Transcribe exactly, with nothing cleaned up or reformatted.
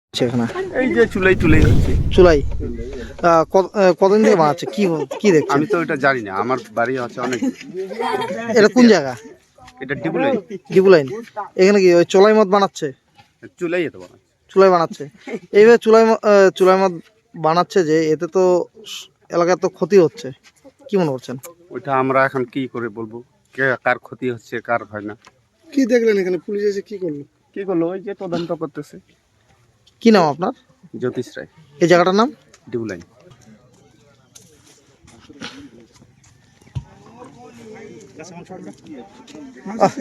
সেখানে এই যে চুলাই চুলাই হচ্ছে চুলাই আহ, কত- আহ, কতদিন থেকে বানাচ্ছে কি কি দেখছেন? আমি তো এটা জানি না, আমার বাড়ি আছে অনেক। এটা কোন জায়গা? এটা ডিবুলাই, ডিবু লাইন। এখানে কি ওই চুলাই মদ বানাচ্ছে? চুলাই এত বড়। চুলাই বানাচ্ছে এইভাবে চুলাই ম- আহ, চুলাই মদ বানাচ্ছে যে এতে তো স- এলাকার তো ক্ষতি হচ্ছে, কি মনে করছেন? ওইটা আমরা এখন কি করে বলবো, কে কার ক্ষতি হচ্ছে কার হয় না। কি দেখলেন এখানে পুলিশ এসে কি করলো? কি করলো ওই যে তদন্ত করতেছে। কি নাম আপনার? জ্যোতিষ রায়, এই জায়গাটার নাম? ডিবুলাই। আহ,